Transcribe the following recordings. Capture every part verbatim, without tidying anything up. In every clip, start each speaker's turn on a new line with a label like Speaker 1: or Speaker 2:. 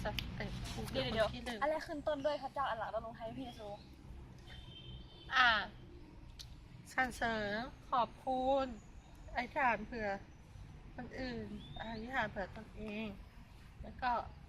Speaker 1: จะเป็นผู้
Speaker 2: เดี๋ยวเดี๋ยว
Speaker 1: ที่หนึ่ง
Speaker 2: อะไรขึ้นต้นด้วยพระเจ้าอัลลาห์ลงท้ายพี่เยซู
Speaker 1: อ่าสรรเสริญขอบคุณอธิษฐานเผื่อคนอื่นอธิษฐานเผื่อตนเอง แล้วก็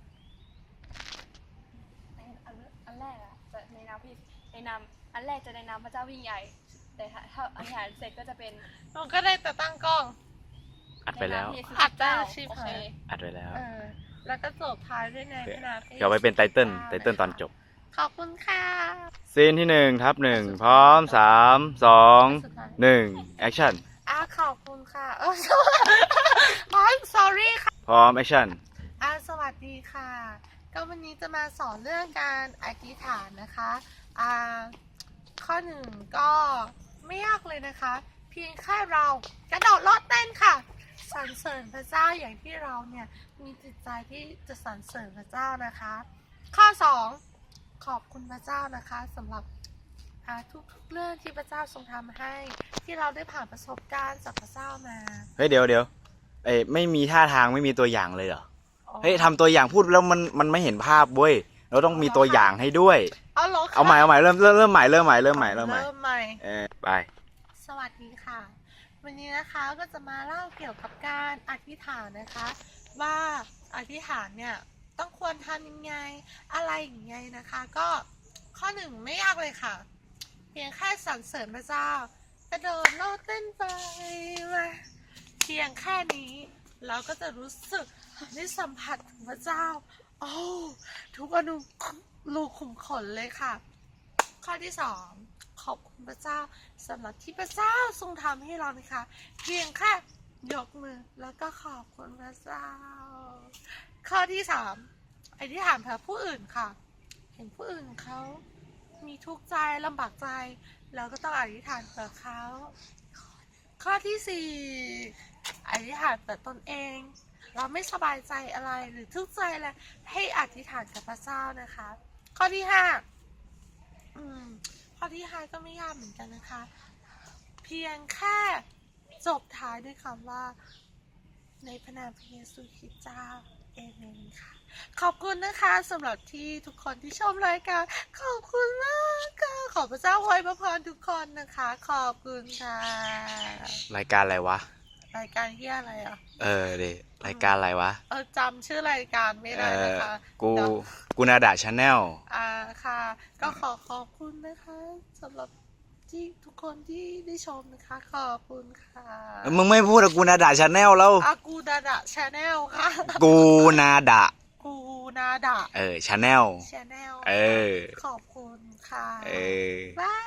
Speaker 2: อันอันอันแรกอะจะในนามพี่ในนามอันแรกจะในนามพระเจ้าวิ่งใหญ่ แต่ถ้าถ้าอธิษฐานเสร็จก็จะเป็น
Speaker 1: เราก็ได้แต่ตั้งกล้อง
Speaker 3: อัดไปแล้ว
Speaker 2: ในนามพี่เยซู
Speaker 1: อัดได้
Speaker 2: เจ้า
Speaker 1: ชีพ
Speaker 2: โอเค
Speaker 3: อัดไปแล้ว
Speaker 1: เออแล้วก็จบท้ายด้วยในพระนามพระ
Speaker 3: เดี๋ยวเอาไปเป็นไตเติ้ลไตเติ้ลตอนจบ
Speaker 1: ขอบคุณค่ะ
Speaker 3: ซีนที่หนึ่งทับหนึ่งพร้อมสามสองหนึ่งแอคชั่น
Speaker 1: อ่าขอบคุณค่ะเออ อ๋อ sorry ค่ะ
Speaker 3: พร้อมแอคชั่น
Speaker 1: อ่าสวัสดีค่ะ ก็วันนี้จะมาสอนเรื่องการอธิษฐานนะคะอ่าข้อหนึ่งก็ไม่ยากเลยนะคะ เพียงแค่เรากระโดดโลดเต้นค่ะสรรเสริญพระเจ้าอย่างที่เราเนี่ยมีจิตใจที่จะสรรเสริญพระเจ้านะคะ ข้อสองขอบคุณพระเจ้านะคะสำหรับอ่าทุกๆเรื่องที่พระเจ้าทรงทำให้ ที่เราได้ผ่านประสบการณ์จากพระเจ้ามา
Speaker 3: เฮ้ยเดี๋ยวเดี๋ยวเอ้ยไม่มีท่าทางไม่มีตัวอย่างเลยเหรอ เฮ้ยทำตัวอย่างพูดแล้วมันมันไม่เห็นภาพเว้ย เราต้องมีตัวอย่างให้ด้วย
Speaker 1: เอาเหรอคะ
Speaker 3: เอาใหม่เอาใหม่เริ่มเริ่มเริ่มใหม่เริ่มใหม่เริ่มใหม่เริ่มใหม่
Speaker 1: เริ่มใหม่
Speaker 3: เออไป
Speaker 1: สวัสดีค่ะ วันนี้นะคะก็จะมาเล่าเกี่ยวกับการอธิษฐานนะคะ ว่าอธิษฐานเนี่ยต้องควรทำยังไงอะไรอย่างไงนะคะ ก็ข้อหนึ่งไม่ยากเลยค่ะ เพียงแค่สรรเสริญพระเจ้ากระโดดโลดเต้นไปมาเพียงแค่นี้เราก็จะรู้สึกได้สัมผัสถึงพระเจ้าโอ้ทุกอนุรูขุมขนเลยค่ะ ข้อที่สองขอบคุณพระเจ้าสำหรับที่พระเจ้าทรงทำให้เรานะคะ เพียงแค่ยกมือแล้วก็ขอบคุณพระเจ้า ข้อที่สามอธิษฐานเผื่อผู้อื่นค่ะ เห็นผู้อื่นเขามีทุกข์ใจลำบากใจเราก็ต้องอธิษฐานเผื่อเขา ข้อที่สี่อธิษฐานเผื่อตนเอง เราไม่สบายใจอะไรหรือทุกข์ใจอะไรให้อธิษฐานกับพระเจ้านะคะ ข้อที่ห้าอืมข้อที่ห้าก็ไม่ยากเหมือนกันนะคะ เพียงแค่จบท้ายด้วยคำว่าในพระนามพระเยซูคริสต์เจ้าเอเมนค่ะ ขอบคุณนะคะสำหรับที่ทุกคนที่ชมรายการขอบคุณมากค่ะขอพระเจ้าอวยพรทุกคนนะคะ ขอบคุณค่ะ
Speaker 3: รายการอะไรวะ
Speaker 1: รายการที่อะไรอ่ะ
Speaker 3: เออเดรายการอะไรวะ
Speaker 1: เออจำชื่อรายการไม่
Speaker 3: เอ
Speaker 1: ได้นะ
Speaker 3: อ
Speaker 1: คะ
Speaker 3: กู
Speaker 1: เดี๋ยว
Speaker 3: กูนาดาชาแนล
Speaker 1: อ่าค่ะ ก็ขอขอบคุณนะคะสำหรับที่ทุกคนที่ได้ชมนะคะ ขอบคุณค่ะ
Speaker 3: มึงไม่พูดอะกูนาดาชาแนลแล้ว
Speaker 1: อากูดาดะชาแนลค่ะ
Speaker 3: กูนาดา
Speaker 1: กูนาดะ
Speaker 3: เออชาแนล
Speaker 1: ชาแนล
Speaker 3: เออ
Speaker 1: ขอบคุณค่ะ
Speaker 3: เออ
Speaker 1: บาย